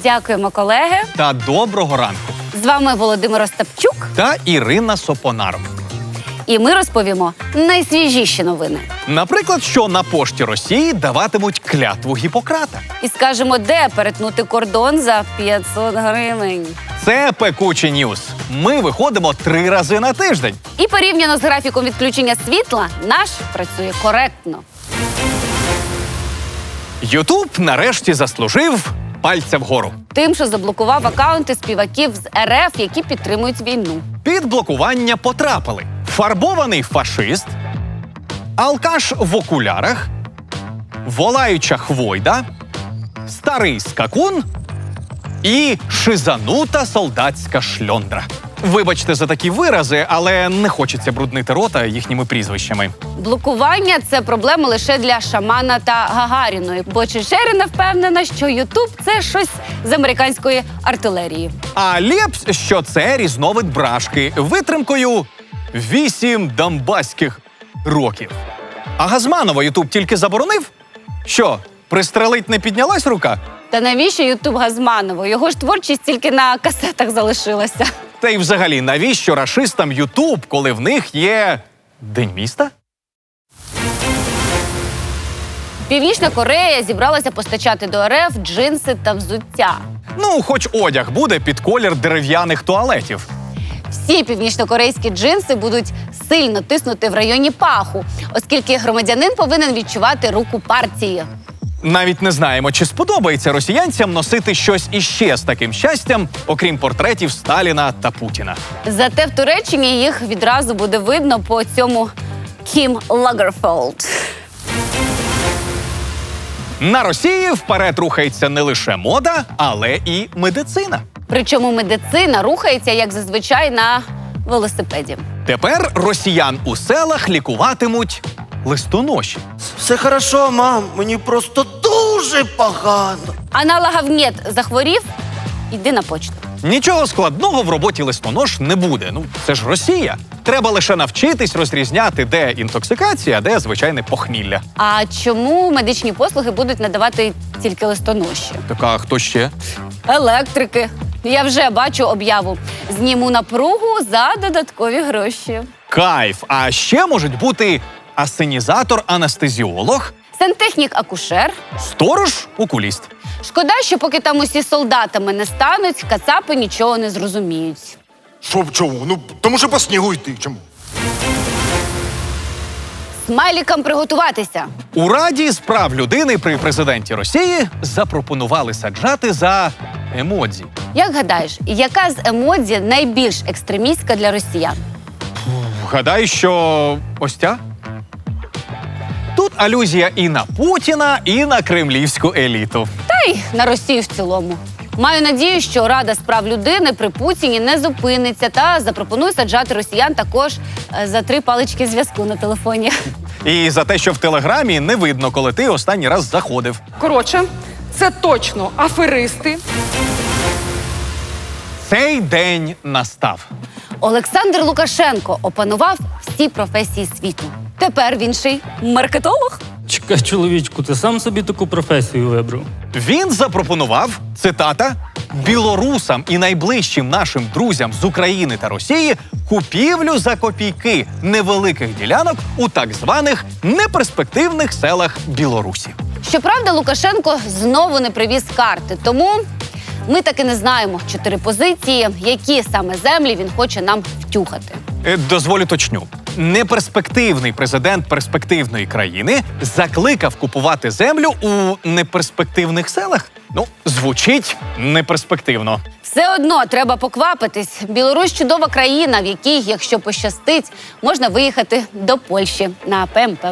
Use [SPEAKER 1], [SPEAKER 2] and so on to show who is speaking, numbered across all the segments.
[SPEAKER 1] Дякуємо, колеги.
[SPEAKER 2] Та доброго ранку.
[SPEAKER 1] З вами Володимир Остапчук.
[SPEAKER 2] Та Ірина Сопонар.
[SPEAKER 1] І ми розповімо найсвіжіші новини.
[SPEAKER 2] Наприклад, що на пошті Росії даватимуть клятву Гіппократа.
[SPEAKER 1] І скажемо, де перетнути кордон за 500 гривень.
[SPEAKER 2] Це пекучі ньюс. Ми виходимо 3 рази на тиждень.
[SPEAKER 1] І порівняно з графіком відключення світла, наш працює коректно.
[SPEAKER 2] Ютуб нарешті заслужив пальця вгору.
[SPEAKER 1] Тим, що заблокував акаунти співаків з РФ, які підтримують війну.
[SPEAKER 2] Під блокування потрапили фарбований фашист, алкаш в окулярах, волаюча хвойда, старий скакун і шизанута солдатська шльондра. Вибачте за такі вирази, але не хочеться бруднити рота їхніми прізвищами.
[SPEAKER 1] Блокування – це проблема лише для Шамана та Гагаріної, бо Чечерина впевнена, що Ютуб – це щось з американської артилерії.
[SPEAKER 2] А Лєпс, що це різновид брашки витримкою 8 донбаських років. А Газманова Ютуб тільки заборонив? Що, пристрелить не піднялась рука?
[SPEAKER 1] Та навіщо Ютуб Газманову? Його ж творчість тільки на касетах залишилася.
[SPEAKER 2] Та й взагалі, навіщо рашистам Ютуб, коли в них є День міста?
[SPEAKER 1] Північна Корея зібралася постачати до РФ джинси та взуття.
[SPEAKER 2] Ну, хоч одяг буде під колір дерев'яних туалетів.
[SPEAKER 1] Всі північнокорейські джинси будуть сильно тиснути в районі паху, оскільки громадянин повинен відчувати руку партії.
[SPEAKER 2] Навіть не знаємо, чи сподобається росіянцям носити щось іще з таким щастям, окрім портретів Сталіна та Путіна.
[SPEAKER 1] Зате в Туреччині їх відразу буде видно по цьому Кім Лагерфелд.
[SPEAKER 2] На Росії вперед рухається не лише мода, але і медицина.
[SPEAKER 1] Причому медицина рухається, як зазвичай, на велосипеді.
[SPEAKER 2] Тепер росіян у селах лікуватимуть листоноші.
[SPEAKER 3] Все хорошо, мам, мені просто дуже погано.
[SPEAKER 1] А на лагавнєт захворів – йди на почту.
[SPEAKER 2] Нічого складного в роботі листонож не буде. Ну, це ж Росія. Треба лише навчитись розрізняти, де інтоксикація, а де звичайне похмілля.
[SPEAKER 1] А чому медичні послуги будуть надавати тільки листоноші?
[SPEAKER 2] Так, а хто ще?
[SPEAKER 1] Електрики. Я вже бачу об'яву. Зніму напругу за додаткові гроші.
[SPEAKER 2] Кайф! А ще можуть бути асенізатор-анестезіолог,
[SPEAKER 1] Сантехнік-акушер.
[SPEAKER 2] сторож-окуліст.
[SPEAKER 1] Шкода, що поки там усі солдатами не стануть, кацапи нічого не зрозуміють.
[SPEAKER 3] Що чому? Ну, тому що по снігу йти. Чому?
[SPEAKER 1] Смайлікам приготуватися.
[SPEAKER 2] У Раді з прав людини при президенті Росії запропонували саджати за емодзі.
[SPEAKER 1] Як гадаєш, яка з емодзі найбільш екстремістська для росіян?
[SPEAKER 2] Гадаю, що ось ця. Тут алюзія і на Путіна, і на кремлівську еліту.
[SPEAKER 1] Та й на Росію в цілому. Маю надію, що Рада з прав людини при Путіні не зупиниться та запропонує саджати росіян також за 3 палички зв'язку на телефоні.
[SPEAKER 2] І за те, що в Телеграмі не видно, коли ти останній раз заходив.
[SPEAKER 4] Коротше, це точно аферисти.
[SPEAKER 2] Цей день настав.
[SPEAKER 1] Олександр Лукашенко опанував всі професії світу. Тепер він ще й маркетолог.
[SPEAKER 5] Чекай, чоловічку, ти сам собі таку професію вибрав?
[SPEAKER 2] Він запропонував, цитата, білорусам і найближчим нашим друзям з України та Росії купівлю за копійки невеликих ділянок у так званих неперспективних селах Білорусі.
[SPEAKER 1] Щоправда, Лукашенко знову не привіз карти, тому ми таки не знаємо 4 позиції, які саме землі він хоче нам втюхати.
[SPEAKER 2] Дозволю точню. Неперспективний президент перспективної країни закликав купувати землю у неперспективних селах? Ну, звучить неперспективно.
[SPEAKER 1] Все одно треба поквапитись. Білорусь – чудова країна, в якій, якщо пощастить, можна виїхати до Польщі на ПМП.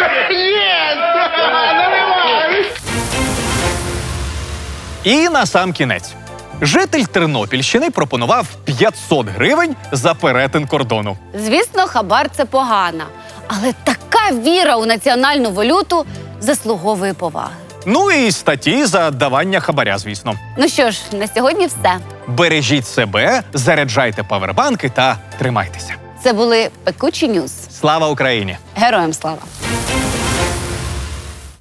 [SPEAKER 2] І на сам кінець. Житель Тернопільщини пропонував 500 гривень за перетин кордону.
[SPEAKER 1] Звісно, хабар – це погано. Але така віра у національну валюту заслуговує поваги.
[SPEAKER 2] Ну і статті за давання хабаря, звісно.
[SPEAKER 1] Ну що ж, на сьогодні все.
[SPEAKER 2] Бережіть себе, заряджайте павербанки та тримайтеся.
[SPEAKER 1] Це були пекучі ньюс.
[SPEAKER 2] Слава Україні!
[SPEAKER 1] Героям слава!